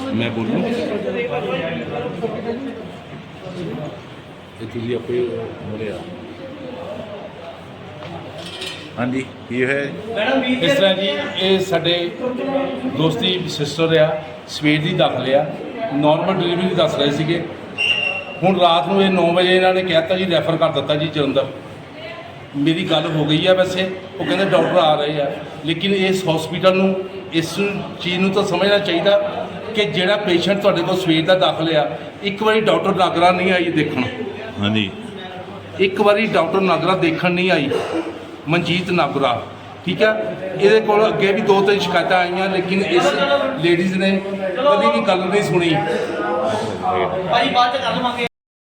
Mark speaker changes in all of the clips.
Speaker 1: मैं बोलूँ ਤੁਸੀਂ ਆਪੇ ਬੋਲਿਆ। ਹਾਂਜੀ ਕੀ ਹੈ
Speaker 2: ਇਸ ਤਰ੍ਹਾਂ ਜੀ ਇਹ ਸਾਡੇ ਦੋਸਤੀ ਸਿਸਟਰ ਆ, ਸਵੇਰ ਦੀ ਦਾਖਲ ਆ, ਨਾਰਮਲ ਡਿਲੀਵਰੀ ਦੱਸ ਰਹੇ ਸੀਗੇ। ਹੁਣ ਰਾਤ ਨੂੰ ਇਹ 9 ਵਜੇ ਇਹਨਾਂ ਨੇ ਕਹਿਤਾ ਜੀ ਰੈਫਰ ਕਰ ਦਿੱਤਾ ਜੀ ਜਲੰਧਰ। ਮੇਰੀ ਗੱਲ ਹੋ ਗਈ ਆ ਵੈਸੇ, ਉਹ ਕਹਿੰਦੇ ਡਾਕਟਰ ਆ ਰਹੇ ਆ, ਲੇਕਿਨ ਇਸ ਹਸਪੀਟਲ ਨੂੰ ਇਸ ਚੀਜ਼ ਨੂੰ ਤਾਂ ਸਮਝਣਾ ਚਾਹੀਦਾ ਕਿ ਜਿਹੜਾ ਪੇਸ਼ੈਂਟ ਤੁਹਾਡੇ ਕੋਲ ਸਵੇਰ ਦਾ ਦਾਖਲ ਆ, ਇੱਕ ਵਾਰੀ ਡਾਕਟਰ ਨਾਗਰਾ ਨਹੀਂ ਆਈ ਦੇਖਣ।
Speaker 1: ਹਾਂਜੀ
Speaker 2: ਇੱਕ ਵਾਰੀ ਡਾਕਟਰ ਨਾਗਰਾ ਦੇਖਣ ਨਹੀਂ ਆਈ, ਮਨਜੀਤ ਨਾਗਰਾ, ਠੀਕ ਹੈ। ਇਹਦੇ ਕੋਲ ਅੱਗੇ ਵੀ 2-3 ਸ਼ਿਕਾਇਤਾਂ ਆਈਆਂ, ਲੇਕਿਨ ਇਸ ਲੇਡੀਜ਼ ਨੇ ਕਦੀ ਵੀ ਗੱਲ ਨਹੀਂ ਸੁਣੀ।
Speaker 3: ਭਾਈ ਬਾਅਦ ਚ ਕਰ ਲਵਾਂਗੇ।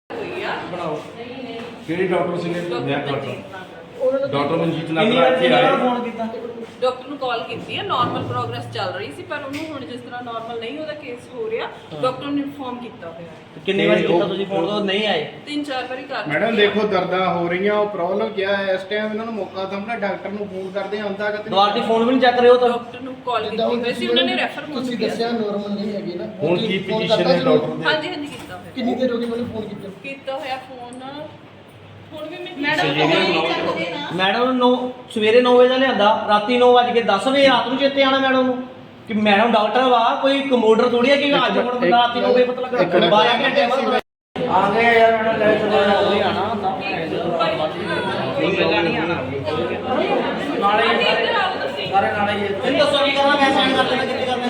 Speaker 2: ਕਿਹੜੇ ਡਾਕਟਰ ਸੀਗੇ? ਡਾਕਟਰ ਮਨਜੀਤ ਨਾਗਰਾ ਇੱਥੇ ਆਏ।
Speaker 4: ਡਾਕਟਰ ਨੂੰ ਕਾਲ ਕੀਤੀ ਹੈ, ਨਾਰਮਲ ਪ੍ਰੋਗਰੈਸ ਚੱਲ ਰਹੀ ਸੀ, ਪਰ ਉਹਨੂੰ ਹੁਣ ਜਿਸ ਤਰ੍ਹਾਂ ਨਾਰਮਲ ਨਹੀਂ ਉਹਦਾ ਕੇਸ ਹੋ ਰਿਹਾ, ਡਾਕਟਰ ਨੇ ਇਨਫੋਰਮ ਕੀਤਾ ਹੋਇਆ ਹੈ।
Speaker 3: ਕਿੰਨੀ ਵਾਰੀ ਕੀਤਾ ਤੁਸੀਂ ਫੋਨ ਤੋਂ ਨਹੀਂ ਆਏ?
Speaker 4: 3-4 ਵਾਰੀ ਕਰ ਚੁੱਕੇ
Speaker 5: ਮੈਡਮ ਦੇਖੋ ਦਰਦਾਂ ਹੋ ਰਹੀਆਂ, ਉਹ ਪ੍ਰੋਬਲਮ ਕਿਆ ਹੈ ਇਸ ਟਾਈਮ ਇਹਨਾਂ ਨੂੰ ਮੌਕਾ ਸਾਹਮਣੇ ਡਾਕਟਰ ਨੂੰ ਫੋਨ ਕਰਦੇ ਆਉਂਦਾ ਕਿ
Speaker 3: ਦੁਆਰ ਦੀ ਫੋਨ ਵੀ ਨਹੀਂ ਚੱਕ ਰਹੇ ਹੋ ਤਾਂ?
Speaker 4: ਡਾਕਟਰ ਨੂੰ ਕਾਲ ਕੀਤੀ ਹੋਈ ਸੀ, ਉਹਨਾਂ ਨੇ ਰੈਫਰ ਮੁੰਨ
Speaker 6: ਤੁਸੀਂ ਦੱਸਿਆ ਨਾਰਮਲ ਨਹੀਂ ਹੈਗੀ ਨਾ।
Speaker 2: ਹੁਣ ਕੀ ਪੋਜੀਸ਼ਨ ਹੈ ਡਾਕਟਰ ਦੀ?
Speaker 4: ਹਾਂਜੀ ਕੀਤਾ ਹੋਇਆ।
Speaker 6: ਕਿੰਨੀ ਦੇਰ ਹੋ ਗਈ ਮੈਨੂੰ ਫੋਨ
Speaker 4: ਕੀਤਾ ਹੋਇਆ ਫੋਨ। ਹੁਣ ਵੀ
Speaker 3: ਮੈਡਮ ਨੂੰ ਸਵੇਰੇ 9 ਵਜੇ ਦਾ ਲਿਆਂਦਾ, ਰਾਤੀ 9:10 ਵਜੇ ਰਾਤ ਨੂੰ ਚੇਤੇ ਆਣਾ ਮੈਡਮ ਨੂੰ ਕਿ ਮੈਡਮ ਡਾਕਟਰ ਵਾ, ਕੋਈ ਕੰਪਿਊਟਰ ਥੋੜੀ ਹੈ ਕਿ ਅੱਜ ਹੁਣ ਬੰਦਾ ਰਾਤੀ 9 ਵਜੇ ਪਤਾ ਲੱਗਾ। 12 ਘੰਟੇ ਬਾਅਦ ਆ ਗਏ ਯਾਰ, ਮੈਡਮ ਲੈ ਚਲੇ ਆਣਾ ਹੁੰਦਾ ਪਹਿਲਾਂ ਨਹੀਂ ਆਣਾ ਨਾਲੇ ਸਾਰੇ ਨਾਲੇ ਇਹ ਦੱਸੋ ਕੀ ਕਰਨਾ, ਮੈਂ ਸਾਈਨ ਕਰ ਦੇਣਾ, ਕਿੱਥੇ ਕਰਨੇ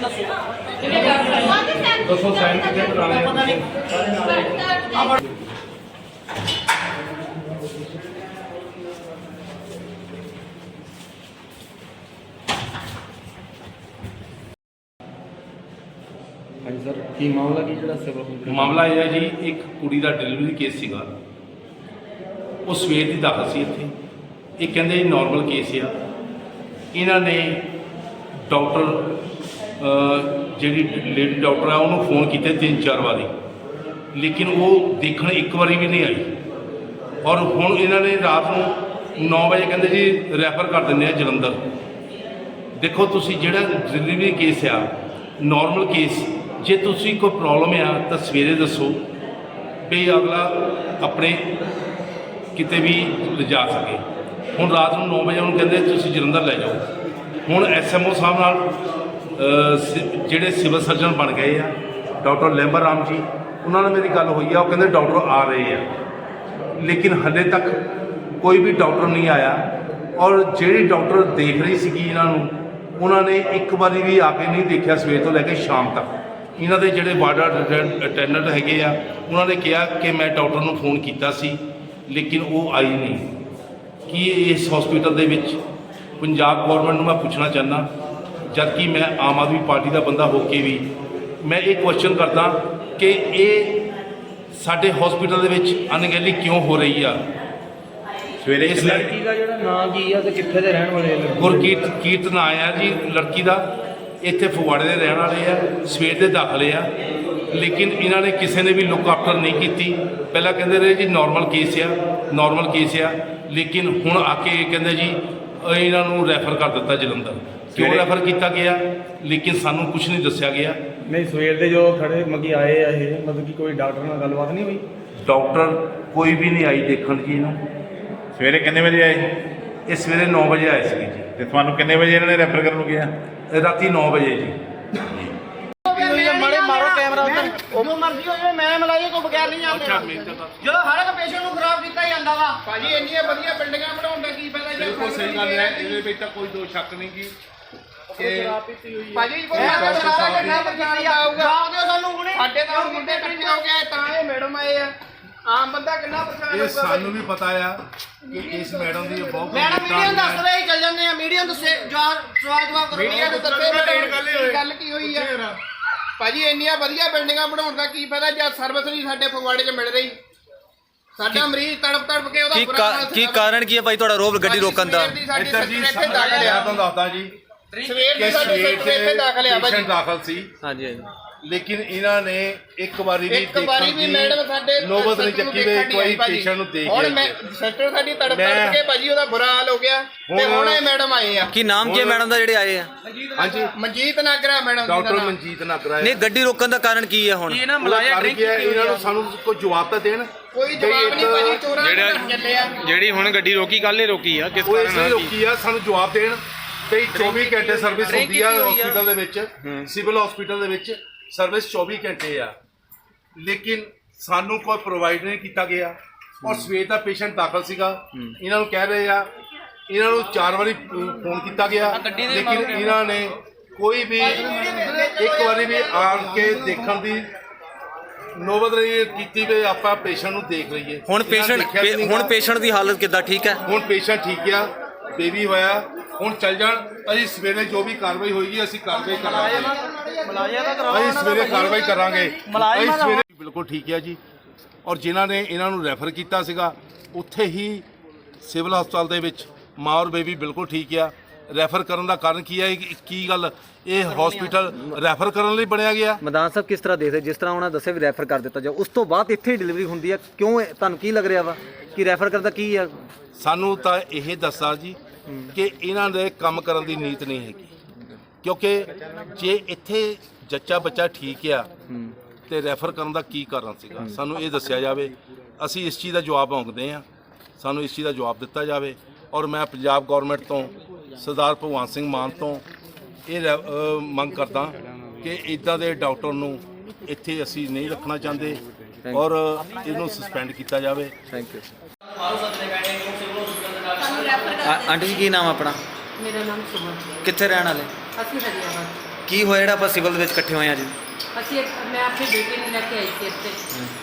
Speaker 2: ਦੱਸੋ ਸਾਈਨ ਕਿੱਥੇ ਕਰਾਣੇ?
Speaker 3: ਪਤਾ ਨਹੀਂ ਸਾਰੇ ਨਾਲੇ।
Speaker 5: ਹਾਂਜੀ ਸਰ ਕੀ ਮਾਮਲਾ ਕੀ ਜਿਹੜਾ ਸਿਵਲ
Speaker 2: ਮਾਮਲਾ ਇਹ ਹੈ ਜੀ, ਇੱਕ ਕੁੜੀ ਦਾ ਡਿਲੀਵਰੀ ਕੇਸ ਸੀਗਾ, ਉਹ ਸਵੇਰ ਦੀ ਦਾਖਲ ਸੀ ਇੱਥੇ। ਇਹ ਕਹਿੰਦੇ ਜੀ ਨਾਰਮਲ ਕੇਸ ਆ। ਇਹਨਾਂ ਨੇ ਡਾਕਟਰ ਜਿਹੜੀ ਲੇਡੀ ਡਾਕਟਰ ਆ ਉਹਨੂੰ ਫੋਨ ਕੀਤੇ 3-4 ਵਾਰੀ, ਲੇਕਿਨ ਉਹ ਦੇਖਣ ਇੱਕ ਵਾਰੀ ਵੀ ਨਹੀਂ ਆਈ। ਔਰ ਹੁਣ ਇਹਨਾਂ ਨੇ ਰਾਤ ਨੂੰ 9 ਵਜੇ ਕਹਿੰਦੇ ਜੀ ਰੈਫਰ ਕਰ ਦਿੰਦੇ ਆ ਜਲੰਧਰ। ਦੇਖੋ ਤੁਸੀਂ ਜਿਹੜਾ ਡਿਲੀਵਰੀ ਕੇਸ ਆ, ਨਾਰਮਲ ਕੇਸ, ਜੇ ਤੁਸੀਂ ਕੋਈ ਪ੍ਰੋਬਲਮ ਆ ਤਾਂ ਸਵੇਰੇ ਦੱਸੋ ਵੀ ਅਗਲਾ ਆਪਣੇ ਕਿਤੇ ਵੀ ਲਿਜਾ ਸਕੇ। ਹੁਣ ਰਾਤ ਨੂੰ 9 ਵਜੇ ਉਹਨੂੰ ਕਹਿੰਦੇ ਤੁਸੀਂ ਜਲੰਧਰ ਲੈ ਜਾਓ। ਹੁਣ ਐਸਐਮਓ ਸਾਹਿਬ ਨਾਲ ਜਿਹੜੇ ਸਿਵਲ ਸਰਜਨ ਬਣ ਗਏ ਆ, ਡਾਕਟਰ ਲੈਂਬਰ ਰਾਮ ਜੀ, ਉਹਨਾਂ ਨਾਲ ਮੇਰੀ ਗੱਲ ਹੋਈ ਆ। ਉਹ ਕਹਿੰਦੇ ਡਾਕਟਰ ਆ ਰਹੇ ਆ, ਲੇਕਿਨ ਹਾਲੇ ਤੱਕ ਕੋਈ ਵੀ ਡਾਕਟਰ ਨਹੀਂ ਆਇਆ। ਔਰ ਜਿਹੜੀ ਡਾਕਟਰ ਦੇਖ ਰਹੀ ਸੀਗੀ ਇਹਨਾਂ ਨੂੰ, ਉਹਨਾਂ ਨੇ ਇੱਕ ਵਾਰੀ ਵੀ ਆ ਕੇ ਨਹੀਂ ਦੇਖਿਆ ਸਵੇਰ ਤੋਂ ਲੈ ਕੇ ਸ਼ਾਮ ਤੱਕ। ਇਹਨਾਂ ਦੇ ਜਿਹੜੇ ਵਾਰਡ ਅਟੈਂਡੈਂਟ ਹੈਗੇ ਆ, ਉਹਨਾਂ ਨੇ ਕਿਹਾ ਕਿ ਮੈਂ ਡਾਕਟਰ ਨੂੰ ਫੋਨ ਕੀਤਾ ਸੀ, ਲੇਕਿਨ ਉਹ ਆਈ ਨਹੀਂ। ਕੀ ਇਸ ਹਸਪੀਟਲ ਦੇ ਵਿੱਚ ਪੰਜਾਬ ਗੌਰਮੈਂਟ ਨੂੰ ਮੈਂ ਪੁੱਛਣਾ ਚਾਹੁੰਦਾ, ਜਦ ਕਿ ਮੈਂ ਆਮ ਆਦਮੀ ਪਾਰਟੀ ਦਾ ਬੰਦਾ ਹੋ ਕੇ ਵੀ ਮੈਂ ਇਹ ਕੁਐਸਚਨ ਕਰਦਾ ਕਿ ਇਹ ਸਾਡੇ ਹਸਪੀਟਲ ਦੇ ਵਿੱਚ ਅਣਗਹਿਲੀ ਕਿਉਂ ਹੋ ਰਹੀ ਆ?
Speaker 1: ਸਵੇਰੇ
Speaker 2: ਇਸ
Speaker 5: ਲੜਕੀ ਦਾ ਜਿਹੜਾ ਨਾਂ ਕੀ ਆ ਤੇ ਕਿੱਥੇ ਦੇ ਰਹਿਣ ਵਾਲੇ ਆ?
Speaker 2: ਗੁਰਕੀਰਤ ਨਾਂ ਆ ਜੀ ਲੜਕੀ ਦਾ, ਇੱਥੇ ਫਗਵਾੜੇ ਦੇ ਰਹਿਣ ਵਾਲੇ ਆ, ਸਵੇਰ ਦੇ ਦਾਖਲੇ ਆ, ਲੇਕਿਨ ਇਹਨਾਂ ਨੇ ਕਿਸੇ ਨੇ ਵੀ ਲੁੱਕ ਆਫਟਰ ਨਹੀਂ ਕੀਤੀ। ਪਹਿਲਾਂ ਕਹਿੰਦੇ ਰਹੇ ਜੀ ਨਾਰਮਲ ਕੇਸ ਆ, ਨਾਰਮਲ ਕੇਸ ਆ, ਲੇਕਿਨ ਹੁਣ ਆ ਕੇ ਕਹਿੰਦੇ ਜੀ ਇਹਨਾਂ ਨੂੰ ਰੈਫਰ ਕਰ ਦਿੱਤਾ ਜਲੰਧਰ। ਕਿਉਂ ਰੈਫਰ ਕੀਤਾ ਗਿਆ, ਲੇਕਿਨ ਸਾਨੂੰ ਕੁਝ ਨਹੀਂ ਦੱਸਿਆ ਗਿਆ।
Speaker 5: ਨਹੀਂ ਸਵੇਰ ਦੇ ਜੋ ਖੜੇ ਮੱਗੀ ਆਏ ਆ, ਇਹ ਮਤਲਬ ਕਿ ਕੋਈ ਡਾਕਟਰ ਨਾਲ ਗੱਲਬਾਤ ਨਹੀਂ ਹੋਈ?
Speaker 2: ਡਾਕਟਰ ਕੋਈ ਵੀ ਨਹੀਂ ਆਈ ਦੇਖਣ ਜੀ ਇਹਨੂੰ।
Speaker 1: ਸਵੇਰੇ ਕਿੰਨੇ ਵਜੇ ਆਏ?
Speaker 2: ਇਹ ਸਵੇਰੇ 9 ਵਜੇ ਆਏ ਸੀਗੇ ਜੀ,
Speaker 1: ਤੇ ਤੁਹਾਨੂੰ ਕਿੰਨੇ ਵਜੇ ਇਹਨਾਂ ਨੇ ਰੈਫਰ ਕਰਨ ਨੂੰ ਕਿਹਾ?
Speaker 2: ਰਾਤੀ 9 ਵਜੇ ਜੀ।
Speaker 3: ਮਾਰੇ ਮਾਰੋ ਕੈਮਰਾ ਉੱਤੇ, ਜੋ ਮਰਜ਼ੀ ਹੋ ਜਾਵੇ, ਮੈਂ ਮਲਾਈਏ ਤੋਂ ਬਗੈਰ ਨਹੀਂ ਆਉਂਦੇ। ਜਦੋਂ ਹਰ ਇੱਕ ਪੇਸ਼ੈਂਟ ਨੂੰ ਖਰਾਬ ਕੀਤਾ ਜਾਂਦਾ ਵਾ।
Speaker 5: ਭਾਜੀ ਇੰਨੀਆਂ ਵਧੀਆ ਬਿਲਡਿੰਗਾਂ ਬਣਾਉਣ ਦਾ ਕੀ ਫਾਇਦਾ?
Speaker 2: ਬਿਲਕੁਲ ਸਹੀ ਗੱਲ ਹੈ, ਇਹਦੇ ਵਿੱਚ ਤਾਂ ਕੋਈ ਦੋ ਸ਼ੱਕ ਨਹੀਂ ਜੀ ਕਿ
Speaker 5: ਭਾਜੀ ਕੋਈ ਸਾਰਾ ਕਿੰਨਾ ਪਰੇਸ਼ਾਨ ਆਊਗਾ?
Speaker 3: ਜਵਾਬ ਦਿਓ ਸਾਨੂੰ ਹੁਣੇ।
Speaker 5: ਸਾਡੇ ਤਾਂ ਮੁੰਡੇ ਇਕੱਠੇ ਹੋ ਗਏ ਤਾਂ ਇਹ ਮੈਡਮ ਆਏ ਆ। ਆਮ ਬੰਦਾ ਕਿੰਨਾ ਪਰੇਸ਼ਾਨ
Speaker 2: ਇਹ
Speaker 5: ਹੋਊਗਾ?
Speaker 2: ਸਾਨੂੰ ਵੀ ਪਤਾ ਆ ਕਿ ਇਸ ਮੈਡਮ ਦੀ ਬਹੁਤ
Speaker 3: ਮੈਡਮ ਮੀਡੀਅਮ ਦੱਸ ਦਵੇ, ਅਸੀਂ ਚੱਲ ਜਾਂਦੇ ਆ। ਮੀਡੀਅਮ ਦੱਸੇ ਜਵਾਬ ਕਰੋ।
Speaker 5: ਮੀਡੀਆ ਨੂੰ ਦੱਸੇ ਗੱਲ ਕੀ ਹੋਈ ਆ? ਭਾਜੀ ਇੰਨੀਆਂ ਵਧੀਆ ਬਿਲਡਿੰਗਾਂ ਬਣਾਉਣ ਦਾ ਕੀ ਫਾਇਦਾ ਜਦ ਸਰਵਿਸ ਨਹੀਂ ਸਾਡੇ ਫਗਵਾੜੇ 'ਚ ਮਿਲ ਰਹੀ? ਸਾਡਾ ਮਰੀਜ਼ ਤੜਪ ਕੇ ਉਹਦਾ
Speaker 7: ਕੀ ਕਾਰਨ ਕੀ ਹੈ ਭਾਈ ਤੁਹਾਡਾ ਰੋਬ ਗੱਡੀ ਰੋਕਣ ਦਾ?
Speaker 2: ਇੱਧਰ ਜੀ ਤੁਹਾਨੂੰ ਦੱਸਦਾ ਜੀ,
Speaker 5: ਸਵੇਰ
Speaker 2: ਕਿ
Speaker 5: ਦੇ ਸਾਡੇ
Speaker 2: ਸਵੇਰ
Speaker 5: ਸੈਕਟਰ ਇੱਥੇ ਦਾਖਲ ਆ
Speaker 2: ਪੇਸ਼ੈਂਟ
Speaker 5: ਭਾਜੀ
Speaker 2: ਦਾਖਲ ਸੀ,
Speaker 3: ਹਾਂਜੀ ਹਾਂਜੀ
Speaker 2: ਲੇਕਿਨ ਇਹਨਾਂ ਨੇ ਇੱਕ ਵਾਰੀ ਵੀ
Speaker 5: ਇੱਕ ਵਾਰੀ ਵੀ ਮੈਡਮ ਸਾਡੇ
Speaker 2: ਨੌਬਤ ਨਹੀਂ
Speaker 5: ਸੈਕਟਰ ਨੂੰ
Speaker 2: ਚੱਕੀ ਵੀ
Speaker 5: ਦੇਖਣ
Speaker 2: ਇੱਕ ਵਾਰੀ
Speaker 5: ਨਹੀਂ ਆਈ ਭਾਜੀ।
Speaker 2: ਪੇਸ਼ੈਂਟ ਨੂੰ ਦੇਖ
Speaker 5: ਹੁਣ
Speaker 2: ਕੇ
Speaker 5: ਮੈਂ ਸੈਕਟਰ ਸਾਡੀ ਤੜਪ
Speaker 2: ਮੈਂ-
Speaker 5: ਤੜਪ ਕੇ ਭਾਜੀ ਉਹਦਾ ਬੁਰਾ ਹਾਲ ਹੋ ਗਿਆ ਤੇ ਹੁਣ ਇਹ ਮੈਡਮ ਆਏ ਆ
Speaker 3: ਕੀ ਨਾਮ ਕੀ ਹੈ ਮੈਡਮ ਦਾ ਜਿਹੜੇ ਆਏ ਆ?
Speaker 2: ਹਾਂਜੀ
Speaker 5: ਮਨਜੀਤ ਨਾਗਰਾ ਮੈਡਮ ਜੀ ਦਾ
Speaker 2: ਡਾਕਟਰ
Speaker 5: ਨਾਮ।
Speaker 2: ਮਨਜੀਤ ਨਾਗਰਾ
Speaker 3: ਨਹੀਂ ਗੱਡੀ ਰੋਕਣ ਦਾ ਕਾਰਨ ਕੀ ਹੈ ਹੁਣ?
Speaker 2: ਇਹਨਾਂ ਨੂੰ ਸਾਨੂੰ ਕੋਈ ਜਵਾਬ ਤਾਂ ਦੇਣ।
Speaker 5: ਕੋਈ ਜਵਾਬ ਨਹੀਂ ਭਾਜੀ, ਚੋਰਾਂ ਦੇ ਘਰ ਚੱਲੇ ਆ।
Speaker 7: ਜਿਹੜੀ ਹੁਣ ਗੱਡੀ ਰੋਕੀ ਕੱਲ ਹੀ ਰੋਕੀ ਆ ਕਿਸ
Speaker 2: ਉਹ ਇਸ
Speaker 7: ਕਾਰਨ
Speaker 2: ਲਈ
Speaker 7: ਨਾਲ ਕੀ?
Speaker 2: ਰੋਕੀ ਆ, ਸਾਨੂੰ ਜਵਾਬ ਦੇਣ। ਤੇ 24 ਘੰਟੇ ਸਰਵਿਸ ਹੁੰਦੀ ਆ ਹਸਪੀਟਲ ਦੇ ਵਿੱਚ, ਸਿਵਲ ਹਸਪੀਟਲ ਦੇ ਵਿੱਚ ਸਰਵਿਸ 24 ਘੰਟੇ ਆ, ਲੇਕਿਨ ਸਾਨੂੰ ਕੋਈ ਪ੍ਰੋਵਾਈਡ ਨਹੀਂ ਕੀਤਾ ਗਿਆ। ਔਰ ਸਵੇਰ ਦਾ ਪੇਸ਼ੈਂਟ ਦਾਖਲ ਸੀਗਾ, ਇਹਨਾਂ ਨੂੰ ਕਹਿ ਰਹੇ ਆ, ਇਹਨਾਂ ਨੂੰ 4 ਵਾਰੀ ਫੋਨ ਕੀਤਾ ਗਿਆ, ਲੇਕਿਨ ਇਹਨਾਂ ਨੇ ਕੋਈ ਵੀ ਇੱਕ ਵਾਰੀ ਵੀ ਆਣ ਕੇ ਦੇਖਣ ਦੀ ਨੌਬਤ ਨਹੀਂ ਕੀਤੀ ਵੀ ਆਪਾਂ ਪੇਸ਼ੈਂਟ ਨੂੰ ਦੇਖ ਲਈਏ।
Speaker 3: ਹੁਣ
Speaker 2: ਇਹਨਾਂ ਨੇ ਦੇਖਿਆ ਵੀ ਨਹੀਂ
Speaker 3: ਹੁਣ
Speaker 2: ਗਾ।
Speaker 3: ਪੇਸ਼ੈਂਟ ਦੀ ਹਾਲਤ ਕਿੱਦਾਂ, ਠੀਕ ਹੈ?
Speaker 2: ਹੁਣ ਪੇਸ਼ੈਂਟ ਠੀਕ ਆ, ਬੇਬੀ ਹੋਇਆ, ਹੁਣ ਚੱਲ ਜਾਣ। ਅਸੀਂ ਸਵੇਰੇ ਜੋ ਵੀ ਕਾਰਵਾਈ ਹੋਏਗੀ ਅਸੀਂ ਕਾਰਵਾਈ ਕਰਾਂਗੇ। ਅਸੀਂ ਸਵੇਰੇ ਕਾਰਵਾਈ ਕਰਾਂਗੇ। ਅਸੀਂ ਸਵੇਰੇ ਬਿਲਕੁਲ ਠੀਕ ਆ ਜੀ। ਔਰ ਜਿਨ੍ਹਾਂ ਨੇ ਇਹਨਾਂ ਨੂੰ ਰੈਫਰ ਕੀਤਾ ਸੀਗਾ ਉੱਥੇ ਹੀ ਸਿਵਲ ਹਸਪਤਾਲ ਦੇ ਵਿੱਚ ਮਾਂ ਔਰ ਬੇਬੀ ਬਿਲਕੁਲ ਠੀਕ ਆ। ਰੈਫਰ ਕਰਨ ਦਾ ਕਾਰਨ ਕੀ ਹੈ? ਕੀ ਗੱਲ ਇਹ ਹਸਪੀਟਲ ਰੈਫਰ ਕਰਨ ਲਈ ਬਣਿਆ ਗਿਆ?
Speaker 3: ਮੈਦਾਨ ਸਾਹਿਬ ਕਿਸ ਤਰ੍ਹਾਂ ਦੇਖਦੇ, ਜਿਸ ਤਰ੍ਹਾਂ ਉਹਨਾਂ ਦੱਸਿਆ ਵੀ ਰੈਫਰ ਕਰ ਦਿੱਤਾ ਜਾਓ, ਉਸ ਤੋਂ ਬਾਅਦ ਇੱਥੇ ਡਿਲੀਵਰੀ ਹੁੰਦੀ ਹੈ, ਕਿਉਂ ਤੁਹਾਨੂੰ ਕੀ ਲੱਗ ਰਿਹਾ ਵਾ ਕਿ ਰੈਫਰ ਕਰਦਾ ਕੀ ਹੈ?
Speaker 2: ਸਾਨੂੰ ਤਾਂ ਇਹ ਦੱਸਾ ਜੀ ਕਿ ਇਹਨਾਂ ਦੇ ਕੰਮ ਕਰਨ ਦੀ ਨੀਤ ਨਹੀਂ ਹੈਗੀ, ਕਿਉਂਕਿ ਜੇ ਇੱਥੇ ਜੱਚਾ ਬੱਚਾ ਠੀਕ ਆ ਤੇ ਰੈਫਰ ਕਰਨ ਦਾ ਕੀ ਕਾਰਨ ਸੀਗਾ, ਸਾਨੂੰ ਇਹ ਦੱਸਿਆ ਜਾਵੇ। ਅਸੀਂ ਇਸ ਚੀਜ਼ ਦਾ ਜਵਾਬ ਮੰਗਦੇ ਹਾਂ, ਸਾਨੂੰ ਇਸ ਚੀਜ਼ ਦਾ ਜਵਾਬ ਦਿੱਤਾ ਜਾਵੇ। ਔਰ ਮੈਂ ਪੰਜਾਬ ਗੌਰਮੈਂਟ ਤੋਂ ਸਰਦਾਰ ਭਗਵੰਤ ਸਿੰਘ ਮਾਨ ਤੋਂ ਇਹ ਮੰਗ ਕਰਦਾ ਕਿ ਇਦਾਂ ਦੇ ਡਾਕਟਰ ਨੂੰ ਇੱਥੇ ਅਸੀਂ ਨਹੀਂ ਰੱਖਣਾ ਚਾਹੁੰਦੇ ਔਰ ਇਹਨੂੰ ਸਸਪੈਂਡ ਕੀਤਾ ਜਾਵੇ।
Speaker 3: Thank you.
Speaker 4: ਸਾਨੂੰ ਰੈਫਰ ਕਰਦੇ
Speaker 3: ਆਂਟੀ ਜੀ ਕੀ ਨਾਮ ਆਪਣਾ?
Speaker 8: ਮੇਰਾ ਨਾਮ ਸੁਮਨ ਹੈ।
Speaker 3: ਕਿੱਥੇ ਰਹਿਣ ਵਾਲੇ?
Speaker 8: ਅਸੀਂ ਹਰੀਆਬਾਦ।
Speaker 3: ਕੀ ਹੋਇਆ ਜਿਹੜਾ ਆਪਾਂ ਸਿਵਲ ਦੇ ਵਿੱਚ ਇਕੱਠੇ ਹੋਏ ਆ ਜੀ?
Speaker 8: ਮੈਂ ਆਪਣੀ ਬੇਟੀ ਨੂੰ ਲੈ ਕੇ ਆਈ ਸੀ ਇੱਥੇ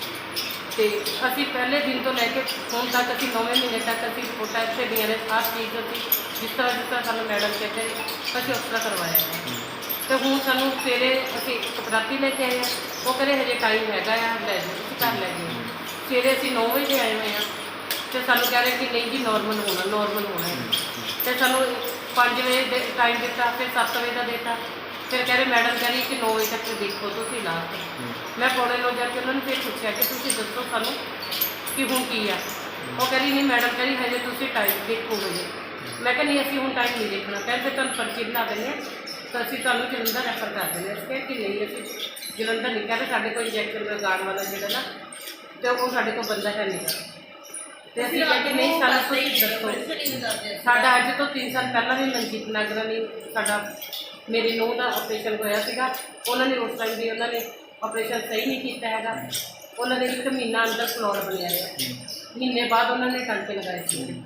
Speaker 8: ਤੇ ਅਸੀਂ ਪਹਿਲੇ ਦਿਨ ਤੋਂ ਲੈ ਕੇ ਹੁਣ ਤੱਕ ਅਸੀਂ 9ਵੇਂ ਮਹੀਨੇ ਤੱਕ ਅਸੀਂ ਰਿਪੋਰਟਾਂ ਇੱਥੇ ਦੀਆਂ ਨੇ। ਹਰ ਚੀਜ਼ ਅਸੀਂ ਜਿਸ ਤਰ੍ਹਾਂ ਸਾਨੂੰ ਮੈਡਮ ਕਹਿੰਦੇ ਅਸੀਂ ਉਸ ਤਰ੍ਹਾਂ ਕਰਵਾਇਆ ਹੈ। ਤੇ ਹੁਣ ਸਾਨੂੰ ਸਵੇਰੇ ਅਸੀਂ ਰਾਤੀ ਲੈ ਕੇ ਆਏ ਹਾਂ, ਉਹ ਕਹਿੰਦੇ ਹਜੇ ਟਾਈਮ ਹੈਗਾ ਆ, ਲੈ ਜਾਓ ਤੁਸੀਂ ਘਰ ਲੈ ਜਾਓ। ਸਵੇਰੇ ਅਸੀਂ 9 ਵਜੇ ਆਏ ਹੋਏ ਹਾਂ ਤੇ ਸਾਨੂੰ ਕਹਿ ਰਹੇ ਕਿ ਨਹੀਂ ਜੀ ਨੋਰਮਲ ਹੋਣਾ ਹੈ। ਤੇ ਸਾਨੂੰ 5 ਵਜੇ ਦੇ ਟਾਈਮ ਦਿੱਤਾ, ਫਿਰ 7 ਵਜੇ ਦਾ ਦਿੱਤਾ, ਫਿਰ ਕਹਿ ਰਹੇ ਮੈਡਮ ਕਹਿ ਰਹੀ ਕਿ 9 ਵਜੇ ਤੱਕ ਦੇਖੋ ਤੁਸੀਂ ਲਾਸਟ। ਮੈਂ ਪੌਣੇ 9 ਜਾ ਕੇ ਉਹਨਾਂ ਨੂੰ ਫਿਰ ਪੁੱਛਿਆ ਕਿ ਤੁਸੀਂ ਦੱਸੋ ਸਾਨੂੰ ਕਿ ਹੁਣ ਕੀ ਆ। ਉਹ ਕਹਿ ਰਹੀ ਨਹੀਂ ਮੈਡਮ ਕਹਿ ਰਹੀ ਹਜੇ ਤੁਸੀਂ ਟਾਈਮ ਦੇਖੋਗੇ ਜੀ। ਮੈਂ ਕਿਹਾ ਨਹੀਂ ਅਸੀਂ ਹੁਣ ਟਾਈਮ ਨਹੀਂ ਦੇਖਣਾ, ਕਹਿੰਦੇ ਤੁਹਾਨੂੰ ਪਰਚੀ ਬਣਾ ਦਿੰਦੇ ਹਾਂ ਤਾਂ ਅਸੀਂ ਤੁਹਾਨੂੰ ਜਲੰਧਰ ਰੈਫਰ ਕਰ ਦਿੰਦੇ ਹਾਂ। ਅਸੀਂ ਕਿਹਾ ਕਿ ਨਹੀਂ ਅਸੀਂ ਜਲੰਧਰ ਨਹੀਂ, ਕਹਿੰਦੇ ਸਾਡੇ ਕੋਲ ਇੰਜੈਕਸ਼ਨ ਲਗਾਉਣ ਵਾਲਾ ਜਿਹੜਾ ਨਾ ਤੇ ਉਹ ਸਾਡੇ ਕੋਲ ਬੰਦਾ ਹੈ ਨਹੀਂ। ਤੇ ਅਸੀਂ ਕਿਹਾ ਕਿ ਨਹੀਂ ਸਾਨੂੰ ਤੁਸੀਂ ਦੱਸੋ। ਸਾਡਾ ਅੱਜ ਤੋਂ 3 ਸਾਲ ਪਹਿਲਾਂ ਵੀ ਮਨਜੀਤ ਨਾਗਰਾ ਨੇ ਸਾਡਾ ਮੇਰੀ ਨੂੰਹ ਦਾ ਆਪਰੇਸ਼ਨ ਹੋਇਆ ਸੀਗਾ। ਉਹਨਾਂ ਨੇ ਉਸ ਟਾਈਮ ਵੀ ਉਹਨਾਂ ਨੇ ਆਪਰੇਸ਼ਨ ਸਹੀ ਨਹੀਂ ਕੀਤਾ ਹੈਗਾ। ਉਹਨਾਂ ਨੇ 1 ਮਹੀਨਾ ਅੰਦਰ ਫਲੋਰ ਬਣਿਆ ਰਿਹਾ, ਮਹੀਨੇ ਬਾਅਦ ਉਹਨਾਂ ਨੇ ਟਾਂਕੇ ਲਗਾਏ ਸੀ।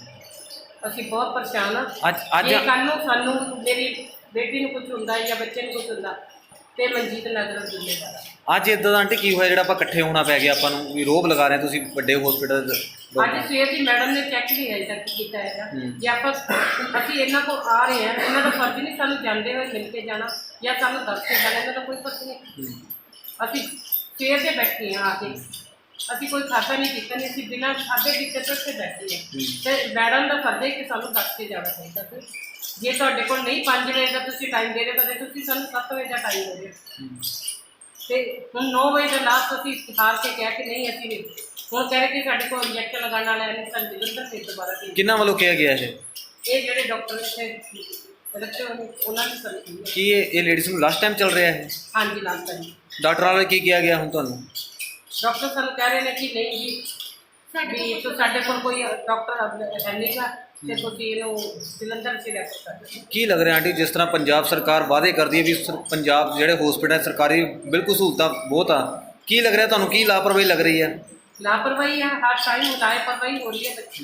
Speaker 8: ਅਸੀਂ ਬਹੁਤ ਪਰੇਸ਼ਾਨ ਹਾਂ। ਜੇ ਕੱਲ੍ਹ ਨੂੰ ਸਾਨੂੰ ਮੇਰੀ ਬੇਟੀ ਨੂੰ ਕੁਝ ਹੁੰਦਾ ਜਾਂ ਬੱਚੇ ਨੂੰ ਕੁਝ ਹੁੰਦਾ ਤੇ ਮਨਜੀਤ ਨਾਗਰਾ ਜ਼ਿੰਮੇਵਾਰ ਆ।
Speaker 3: ਅੱਜ ਇਦਾਂ ਦਾ ਆਂਟੀ ਕੀ ਹੋਇਆ ਜਿਹੜਾ ਆਪਾਂ ਇਕੱਠੇ ਹੋਣਾ ਪੈ ਗਿਆ ਆਪਾਂ ਨੂੰ, ਵੀ ਰੋਬ ਲਗਾ ਰਹੇ ਤੁਸੀਂ ਵੱਡੇ ਹਸਪੀਟਲ?
Speaker 8: ਅੱਜ ਸਵੇਰ ਦੀ ਮੈਡਮ ਨੇ ਚੈੱਕ ਵੀ ਹਜੇ ਤੱਕ ਕੀਤਾ ਹੈਗਾ। ਜੇ ਆਪਾਂ ਅਸੀਂ ਇਹਨਾਂ ਕੋਲ ਆ ਰਹੇ ਹਾਂ, ਇਹਨਾਂ ਦਾ ਫਰਜ਼ ਨਹੀਂ ਸਾਨੂੰ ਜਾਂਦੇ ਹੋਏ ਮਿਲ ਕੇ ਜਾਣਾ ਜਾਂ ਸਾਨੂੰ ਦੱਸ ਕੇ ਜਾਣਾ, ਇਹਨਾਂ ਦਾ ਕੋਈ ਫਰਜ਼ ਨਹੀਂ। ਅਸੀਂ ਸਵੇਰ ਦੇ ਬੈਠੇ ਹਾਂ ਆ ਕੇ, ਅਸੀਂ ਕੋਈ ਖਾਤਾ ਨਹੀਂ ਕੀਤਾ ਨਹੀਂ, ਅਸੀਂ ਬਿਨਾਂ ਖਾਤੇ ਕੀਤੇ ਤੋਂ ਇੱਥੇ ਬੈਠੇ ਹਾਂ। ਤੇ ਮੈਡਮ ਦਾ ਫਰਜ਼ ਹੈ ਕਿ ਸਾਨੂੰ ਦੱਸ ਕੇ ਜਾਣਾ ਚਾਹੀਦਾ ਸੀ। ਜੇ ਤੁਹਾਡੇ ਕੋਲ ਨਹੀਂ 5 ਵਜੇ ਦਾ ਤੁਸੀਂ ਟਾਈਮ ਦੇ ਰਹੇ ਤਾਂ ਤੁਸੀਂ ਸਾਨੂੰ 7 ਵਜੇ ਦਾ ਟਾਈਮ ਦੇ ਦਿਓ। ਤੇ ਹੁਣ 9 ਵਜੇ ਦਾ ਲਾਸਟ ਅਸੀਂ ਹਾਰ ਕੇ ਕਿਹਾ ਕਿ ਨਹੀਂ ਅਸੀਂ ਨਹੀਂ। ਹੁਣ ਕਹਿ ਰਹੇ ਕਿ ਸਾਡੇ ਕੋਲ ਇੰਜੈਕਸ਼ਨ ਲਗਾਉਣ ਵਾਲਾ ਹੈ ਨਹੀਂ, ਸਾਨੂੰ ਜਲੰਧਰ ਫਿਰ ਦੁਬਾਰਾ ਭੇਜੋ।
Speaker 3: ਕਿਹਨਾਂ ਵੱਲੋਂ ਕਿਹਾ ਗਿਆ
Speaker 8: ਇਹ ਜਿਹੜੇ ਡਾਕਟਰ ਇੱਥੇ ਰੱਖੇ ਹੋਏ ਨੇ ਉਹਨਾਂ ਨੇ ਸਾਨੂੰ ਕਿਹਾ।
Speaker 3: ਕੀ ਇਹ ਲੇਡੀਜ਼ ਨੂੰ ਲਾਸਟ ਟਾਈਮ ਚੱਲ ਰਿਹਾ ਹੈ?
Speaker 8: ਹਾਂਜੀ ਲਾਸਟ ਟਾਈਮ
Speaker 3: ਡਾਕਟਰ ਵਾਲੇ ਕੀ ਕਿਹਾ ਗਿਆ ਹੁਣ ਤੁਹਾਨੂੰ?
Speaker 8: ਡਾਕਟਰ ਸਾਨੂੰ ਕਹਿ ਰਹੇ ਨੇ ਕਿ ਨਹੀਂ ਜੀ ਵੀ ਤੂੰ ਸਾਡੇ ਕੋਲ ਕੋਈ ਡਾਕਟਰ ਹੈ ਨਹੀਂਗਾ ਤੇ ਤੁਸੀਂ ਇਹਨੂੰ ਜਲੰਧਰ ਚ ਰੈਫਰ ਕਰ ਦਿਓ।
Speaker 3: ਕੀ ਲੱਗ ਰਿਹਾ ਆਂਟੀ, ਜਿਸ ਤਰ੍ਹਾਂ ਪੰਜਾਬ ਸਰਕਾਰ ਵਾਅਦੇ ਕਰਦੀ ਹੈ ਵੀ ਪੰਜਾਬ ਜਿਹੜੇ ਹਸਪੀਟਲ ਸਰਕਾਰੀ ਬਿਲਕੁਲ ਸਹੂਲਤਾਂ ਬਹੁਤ ਆ, ਕੀ ਲੱਗ ਰਿਹਾ ਤੁਹਾਨੂੰ, ਕੀ ਲਾਪਰਵਾਹੀ ਲੱਗ ਰਹੀ ਹੈ?
Speaker 8: ਲਾਪਰਵਾਹੀ ਹੈ, ਹਰ ਟਾਈਮ ਲਾਪਰਵਾਹੀ ਹੋ ਰਹੀ ਹੈ ਬੱਚੀ।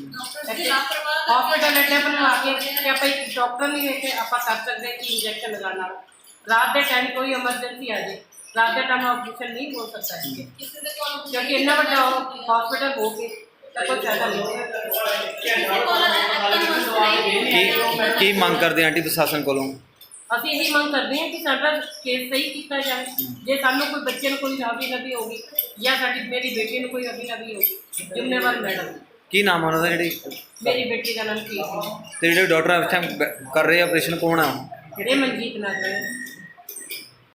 Speaker 8: ਹਸਪੀਟਲ ਐਡੇ ਬਣਵਾ ਕੇ ਕਿ ਆਪਾਂ ਇੱਕ ਡਾਕਟਰ ਨਹੀਂ ਵੇਖ ਕੇ ਆਪਾਂ ਕਰ ਸਕਦੇ ਕਿ ਇੰਜੈਕਸ਼ਨ ਲਗਾਉਣਾ। ਰਾਤ ਦੇ ਟਾਈਮ ਕੋਈ ਐਮਰਜੈਂਸੀ ਆ ਜਾਏ, ਰਾਤ ਦੇ ਟਾਈਮ ਆਪਰੇਸ਼ਨ ਨਹੀਂ ਹੋ ਸਕਦਾ ਹੈ ਕਿਉਂਕਿ ਇੰਨਾ ਵੱਡਾ ਹਸਪੀਟਲ ਹੋ ਕੇ ਕੋਈ ਫਾਇਦਾ ਨਹੀਂ।
Speaker 3: ਕੀ ਮੰਗ ਕਰਦੇ ਆਂਟੀ ਪ੍ਰਸ਼ਾਸਨ ਕੋਲੋਂ?
Speaker 8: ਅਸੀਂ ਇਹੀ ਮੰਗ ਕਰਦੇ ਹਾਂ ਕਿ ਸਾਡਾ ਕੇਸ ਸਹੀ ਕੀਤਾ ਜਾਵੇ। ਜੇ ਸਾਨੂੰ ਕੋਈ ਬੱਚੇ ਨੂੰ ਕੋਈ ਹਾਵੀ ਨਬੀ ਹੋਗੀ ਜਾਂ ਮੇਰੀ ਬੇਟੀ ਨੂੰ ਕੋਈ ਹਾਵੀ ਨਬੀ ਹੋਗੀ, ਜ਼ਿੰਮੇਵਾਰ ਮੈਡਮ।
Speaker 3: ਕੀ ਨਾਮ ਆ ਉਹਨਾਂ ਦਾ? ਜਿਹੜੀ
Speaker 8: ਮੇਰੀ ਬੇਟੀ ਦਾ ਨਾਮ ਕੀ ਹੈ
Speaker 3: ਤੇ ਜਿਹੜੇ ਡਾਕਟਰ ਇਸ ਟਾਈਮ ਕਰ ਰਹੇ ਆਪਰੇਸ਼ਨ ਕੌਣ ਆ?
Speaker 8: ਇਹ ਮਨਜੀਤ ਨਗਰ